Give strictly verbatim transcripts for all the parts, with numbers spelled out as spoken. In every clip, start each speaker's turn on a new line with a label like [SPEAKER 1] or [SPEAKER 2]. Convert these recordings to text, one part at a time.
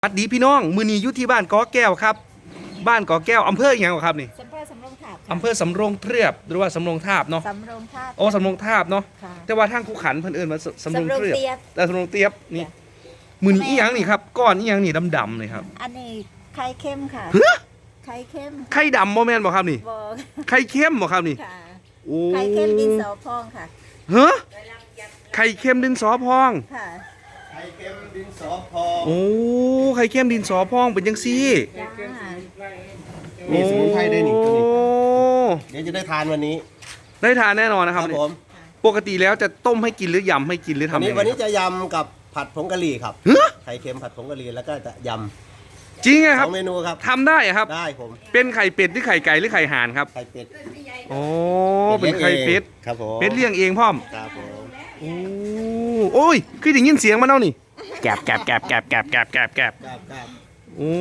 [SPEAKER 1] สวัสดีพี่น้องมือนีอยู่ที่บ้านกอแก้วครับบ้านกอแก้วอำเภออย่างไรครับนี่
[SPEAKER 2] อำเภอสำโรงทาบ
[SPEAKER 1] อำเภอสำโรงเทียบหรือว่าสำโรงทาบเนาะ
[SPEAKER 2] สำโรงทาบ
[SPEAKER 1] โอ้สำโรงทาบเนาะ
[SPEAKER 2] ค่ะ
[SPEAKER 1] แต่ว่าทางคูขันเพิ่นเอิ้นว่าสำโรงเทียบ
[SPEAKER 2] สำโรงเทียบ
[SPEAKER 1] แต่สำโรงเทียบนี่มือนี้อีหยังนี่ครับก้อนอีหยังนี่ดำๆเลยครับ
[SPEAKER 2] อันนี้ไข่เข้มค่ะ
[SPEAKER 1] เฮ้อ
[SPEAKER 2] ไข่เข้ม
[SPEAKER 1] ไข่ดำบ่แม่นบ่ครับนี่
[SPEAKER 2] บอก
[SPEAKER 1] ไข่เข้มบ่ครับนี่
[SPEAKER 2] ค่ะ
[SPEAKER 1] โอ้
[SPEAKER 2] ไข่เข้มดินสอพองค่ะ
[SPEAKER 1] เฮ้อไข่เข้มดินสอพอง
[SPEAKER 2] ค่ะ
[SPEAKER 3] ไข่เค็มดินสอพอง
[SPEAKER 1] โอ้ไข่เข้มดินสอพองเป็นจังซี่
[SPEAKER 2] จ้า
[SPEAKER 3] มีสมุนไพรได้นี่ตัวนี้
[SPEAKER 1] โอ้
[SPEAKER 3] เดี๋ยวจะได้ทานวันนี้
[SPEAKER 1] ได้ทานแน่นอนนะครับ
[SPEAKER 3] ผม
[SPEAKER 1] ปกติแล้วจะต้มให้กินหรือยำให้กินหรือ
[SPEAKER 3] วัน
[SPEAKER 1] ทำ
[SPEAKER 3] นี้
[SPEAKER 1] ยังไง
[SPEAKER 3] วันนี้จะยำกับผัดผงกะหรี่ครับ
[SPEAKER 1] เฮ้อ
[SPEAKER 3] ไข่เค็มผัดผงกะหรี่แล้วก็จะย
[SPEAKER 1] จริงไง
[SPEAKER 3] ำ
[SPEAKER 1] ค
[SPEAKER 3] ส
[SPEAKER 1] รั
[SPEAKER 3] อบ งเมนูครับ
[SPEAKER 1] ทำได้อะครับ
[SPEAKER 3] ได้ผม
[SPEAKER 1] เป็นไข่เป็ดหรือไข่ไก่หรือไข่ห่านครับ
[SPEAKER 3] ไข่เป็ด
[SPEAKER 1] โอ้เป็นไข่เป็ด
[SPEAKER 3] ครับผม
[SPEAKER 1] เป็ดเลี้ยงเองพ่อม
[SPEAKER 3] ครับผม
[SPEAKER 1] โอ้โอ้ยคือได้ยินเสียงมันแล้วนี่แกบแกบแกบแกบแกบแกบแกบแกบ
[SPEAKER 3] ครับครับ
[SPEAKER 1] โอ้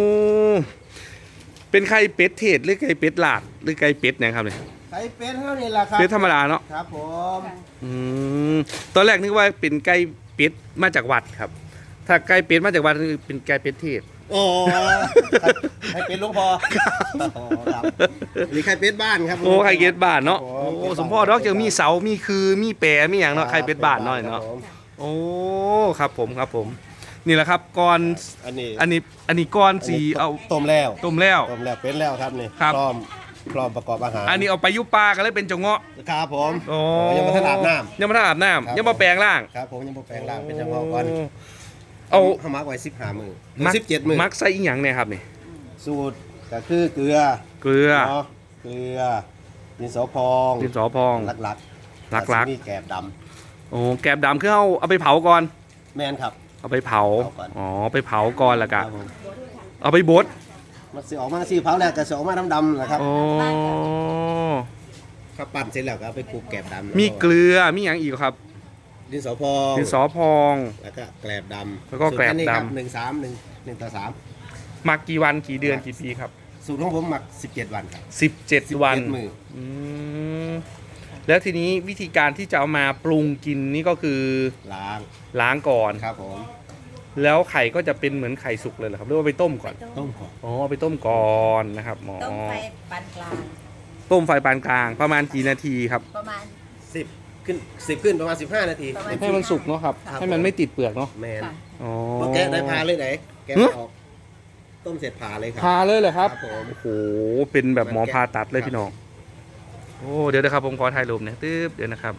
[SPEAKER 1] เป็นไข่เป็ดเทศหรือไข่เป็ดลาดหรือไข่เป็ดเนี่ยครับเนี่ย
[SPEAKER 3] ไข่เป็ดเท่านี้แหละครับ
[SPEAKER 1] เป็ดธรรมดาเนาะ
[SPEAKER 3] ครับผม
[SPEAKER 1] อืมตอนแรกนึกว่าเป็นไก่เป็ดมาจากวัดครับ ถ้าไก่เป็ดมาจากวัดคือเป็นไก่เป็ดเทศ
[SPEAKER 3] โอ้ไข่เป็ดหลุงพออ๋อครับนี่ไข่เป็ดบ้านครับ
[SPEAKER 1] โอ้ไข่เป็ดบ้านเนาะ
[SPEAKER 3] ครับผม
[SPEAKER 1] โอ้สมพ่อดอกจะมีเสามีคือมีแปรมีอย่างเนาะไข่เป็ดบ้านหน่อยเนาะ
[SPEAKER 3] ครับผม
[SPEAKER 1] โอ้ครับผมครับผม นี่แหละครับก่อน
[SPEAKER 3] อันนี้
[SPEAKER 1] อันนี้อันนี้ก้อนสีเอา
[SPEAKER 3] ต้มแล้ว
[SPEAKER 1] ต้มแล้ว
[SPEAKER 3] ต้มแล้วเป็นแล้วครับนี่
[SPEAKER 1] ครับ
[SPEAKER 3] พร้อมพร้อมประกอบอาหาร
[SPEAKER 1] อันนี้เอาไปยุปลากันเลยเป็นจงเงาะ
[SPEAKER 3] ครับผม
[SPEAKER 1] โอ้
[SPEAKER 3] ยังไม่ทันอาบน้
[SPEAKER 1] ยังไม่ทันอาบน้
[SPEAKER 3] ครับ
[SPEAKER 1] ำยังมาแปลงร่าง
[SPEAKER 3] ำครับผมยังบ่แปลงร่างเป็นเฉพาะก่อน
[SPEAKER 1] เอา
[SPEAKER 3] เขามักไว้สิบห้ามือ
[SPEAKER 1] มัก
[SPEAKER 3] สิบเจ็ดมือ
[SPEAKER 1] มักใส่อีหยังเนี่ยครับนี่
[SPEAKER 3] สูตรก็คือเกลือ
[SPEAKER 1] เกลือ
[SPEAKER 3] เนาะเกลือดินสอพอง
[SPEAKER 1] ดินสอพอง
[SPEAKER 3] หลักๆ
[SPEAKER 1] หลักๆ
[SPEAKER 3] ๆมีแกบด
[SPEAKER 1] โอ้แกบดำคือเอาเอาไปเผาก่อน
[SPEAKER 3] ำแมนครับ
[SPEAKER 1] เอาไปเผา
[SPEAKER 3] เผาก่อน
[SPEAKER 1] อ๋อไปเผาก่อนแล้ว
[SPEAKER 3] ค
[SPEAKER 1] ก็
[SPEAKER 3] รับผม
[SPEAKER 1] เอาไปบด
[SPEAKER 3] มันสิออกมาสีเผาแล้วก็สิออกมาดำๆนะครับ
[SPEAKER 1] โอ้
[SPEAKER 3] ข้าวปั้นเสร็จแล้วก็เอาไปคลุกแกบดำ
[SPEAKER 1] มีเกลือมีอย่างอีกครับ
[SPEAKER 3] ดินสอพอง
[SPEAKER 1] ดินสอพอง
[SPEAKER 3] แล้วก็แกลบดำ
[SPEAKER 1] แล้วก็แกลบดำ
[SPEAKER 3] สูตรอันนี้ครับหนึ่งสามหนึ่งหนึ่งต่อสาม
[SPEAKER 1] หมักกี่วันกี่เดือนกี่ปีครับ
[SPEAKER 3] สูตรของผมหมักสิบเจ็ดวันครับ
[SPEAKER 1] สิบเจ็ดวัน
[SPEAKER 3] สิบเจ็ดมื้อ
[SPEAKER 1] อืมแล้วทีนี้วิธีการที่จะเอามาปรุงกินนี่ก็คือ
[SPEAKER 3] ล้าง
[SPEAKER 1] ล้างก่อน
[SPEAKER 3] ครับผม
[SPEAKER 1] แล้วไข่ก็จะเป็นเหมือนไข่สุกเลยเหรอครับหรือว่าไปต้มก่อน
[SPEAKER 3] ต้มก่อน
[SPEAKER 1] อ๋อเอาไปต้มก่อนนะครับอ๋อ
[SPEAKER 2] ต้มไฟปานกลาง
[SPEAKER 1] ต้มไฟปานกลางประมาณกี่นาทีครับ
[SPEAKER 2] ประมาณ
[SPEAKER 3] สิบขึ้นสิบขึ้นประมาณสิบห้านาที
[SPEAKER 2] ประมาณ
[SPEAKER 1] ให้มันสุกเนาะครับ
[SPEAKER 3] ครับ
[SPEAKER 1] ให้มันไม่ติดเปลือกเนาะ
[SPEAKER 3] แมน
[SPEAKER 2] ค่ะ
[SPEAKER 1] อ๋อ
[SPEAKER 3] พอแกะได้พาเลยไหนแกะ
[SPEAKER 1] หึ
[SPEAKER 3] ออกต้มเสร็จพาเลยครั
[SPEAKER 1] พาเลยเหรอครับ
[SPEAKER 3] ครับผม
[SPEAKER 1] โอ้โหเป็นแบบหมอผ่าตัดเลยพี่น้องโอ้เดี๋ยวนะครับผมขอถ่ายรูปหนะตึ๊บเดี๋ยวนะครับ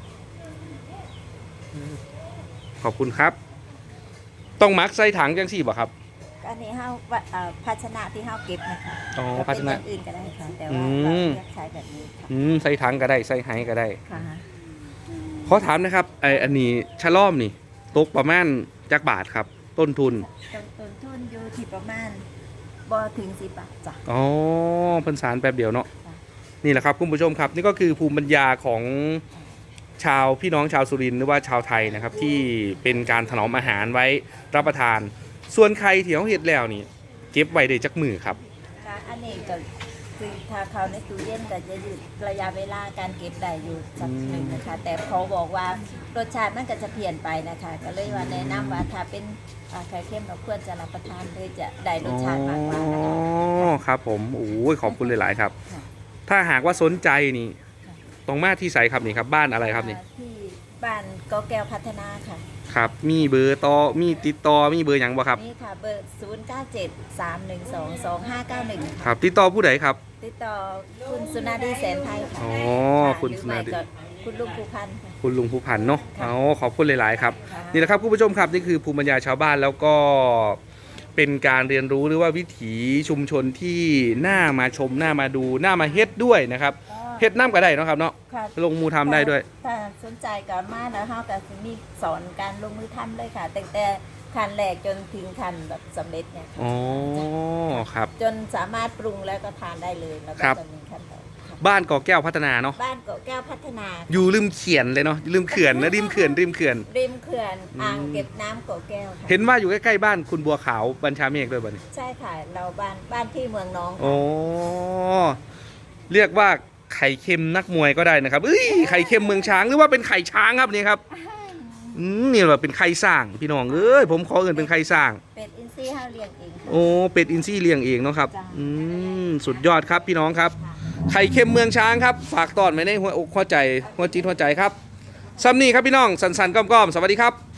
[SPEAKER 1] ขอบคุณครับ ต้องมักใส่ถังจังสี่บ่ครับ
[SPEAKER 2] อันนี้เฮาเอ่อภาชนะที่เฮาเก็บนะคะ
[SPEAKER 1] อ๋อ
[SPEAKER 2] แล้ว
[SPEAKER 1] ภาชนะ
[SPEAKER 2] เป็นอย่งอื่นก็ได้ค่ะแต่
[SPEAKER 1] อื
[SPEAKER 2] ว่าม เราเลือกใช้แบบนี้ค่ะ
[SPEAKER 1] อืมใส่ถังก็ได้ใส่ไฮก็ได้
[SPEAKER 2] ค่ะ
[SPEAKER 1] ขอถามนะครับไออันนี้ชะล่อมนี่ตกประมาณจักบาทครับ ต้นทุน
[SPEAKER 2] ต้นต้นทุนอยู่ที่ประมาณบ่ถึงสิบบาทจ้ะ
[SPEAKER 1] อ๋อเพันสารแป๊บเดียวเนาะ
[SPEAKER 2] ค่ะ
[SPEAKER 1] นี่แหละครับคุณผู้ชมครับ นี่ก็คือภูมิปัญญาของชาวพี่น้องชาวสุรินทร์หรือว่าชาวไทยนะครับ ที่เป็นการถนอมอาหารไว้รับประทาน ส่วนใครที่เขาเห็ดแล้วนี่เก็บไว้ได้จักมือครับ
[SPEAKER 2] ค่ะอันนี้ก็คือถ้าเขาในตู้เย็นก็จะยืดระยะเวลาการเก็บได้อยู่สักหนึ่งนะคะ แต่เขาบอกว่ารสชาติมันก็จะเปลี่ยนไปนะคะ ก็เลยว่าแนะนำว่าถ้าเป็นอ่าไข่เค็มเราควรจะรับประทานเลยจะได้รสชาติมากกว่านะคะ
[SPEAKER 1] อ๋อครับผมโอ้ยขอบคุณหลาย ๆ ครับ
[SPEAKER 2] ค่ะ
[SPEAKER 1] ถ้าหากว่าสนใจนี่ตรงมาที่ไสครับนี่ครับบ้านอะไรครับนี่
[SPEAKER 2] อ่าที่บ้านก็แก้วพัฒนาค่ะ
[SPEAKER 1] ครับ มีเบอร์ต่อมีติดต่อมีเบอร์หยังบ่ครับ
[SPEAKER 2] นี่ค่ะเบอร์ ศูนย์ เก้า เจ็ด สาม หนึ่ง สอง สอง ห้า เก้า หนึ่ง
[SPEAKER 1] ค
[SPEAKER 2] ค่ะ
[SPEAKER 1] รับติดต่อผู้ใดครับ
[SPEAKER 2] ติดต่อคุณสุนารีแสนไทยค่ะ
[SPEAKER 1] อ๋อ
[SPEAKER 2] ค่ะ
[SPEAKER 1] คุณสุนารี
[SPEAKER 2] หรือไม่ก็คุณลุงภูพันธ์ค่ะ
[SPEAKER 1] คุณลุงผู้พันเนาะ
[SPEAKER 2] ค่ะ
[SPEAKER 1] อ๋อขอบคุณหลาย ๆ ครับ
[SPEAKER 2] ค่ะ
[SPEAKER 1] นี่แหละครับคุณผู้ชมครับนี่คือภูมิปัญญาชาวบ้านแล้วก็เป็นการเรียนรู้หรือว่าวิถีชุมชนที่น่ามาชมน่ามาดูน่ามาเฮ็ดด้วยนะครับ เฮ็ดน้ำก็ได้เนาะครับเนาะ
[SPEAKER 2] ค่ะ
[SPEAKER 1] ลงมือทำได้ด้วย
[SPEAKER 2] ถ้าสนใจก็มาแล้วเฮาก็สิมีสอนการลงมือทำเลยค่ะตั้งแต่ขั้นแรกจนถึงขั้นแบบสำเร็จเนี่ยค่ะ
[SPEAKER 1] อ๋อครับ
[SPEAKER 2] จนสามารถปรุงแล้วก็ทานได้เลยแล้วก็
[SPEAKER 1] ครับ
[SPEAKER 2] จะมีขั้นตอนค่ะ
[SPEAKER 1] บ้านก่อแก้วพัฒนาเนาะ
[SPEAKER 2] บ้านเกาะแก้วพัฒนา
[SPEAKER 1] อยู่ริมเขียนเลยเนาะริมเขื่อนนะริมเขื่อนริมเขื่อน
[SPEAKER 2] ริมเขื่อน
[SPEAKER 1] อืม
[SPEAKER 2] อ่างเก็บน้ำเกาะแก้วค่ะ
[SPEAKER 1] เห็นว่าอยู่ใกล้ๆบ้านคุณบัวขาวบัญชาเมฆด้วยบ่เนี่ย
[SPEAKER 2] ใช่ค่ะเราบ้านบ้านที่เมืองน้องค่ะ
[SPEAKER 1] โอ้เรียกว่าไข่เค็มนักมวยก็ได้นะครับเอ้ยไข่เค็มเมืองช้างหรือว่าเป็นไข่ช้างครับนี่ครับอืมนี่ว่าเป็นไข่สร้างพี่น้องเอ้ยผมขอเอิ้นเป็นไข่สร้าง
[SPEAKER 2] เป็ดอินทรีย์เฮาเลี้ยงเองค่ะ
[SPEAKER 1] โอ้เป็ดอินทรีย์เลี้ยงเองเนาะครับ
[SPEAKER 2] จ้ะ
[SPEAKER 1] อืมสุดยอดครับพี่น้องครับไข่เค็มเมืองช้างครับฝากตอนไว้ในหัวอกหัวใจหัวจิตหัวใจครับซัมนี่ครับพี่น้องสันสันก้อมๆสวัสดีครับ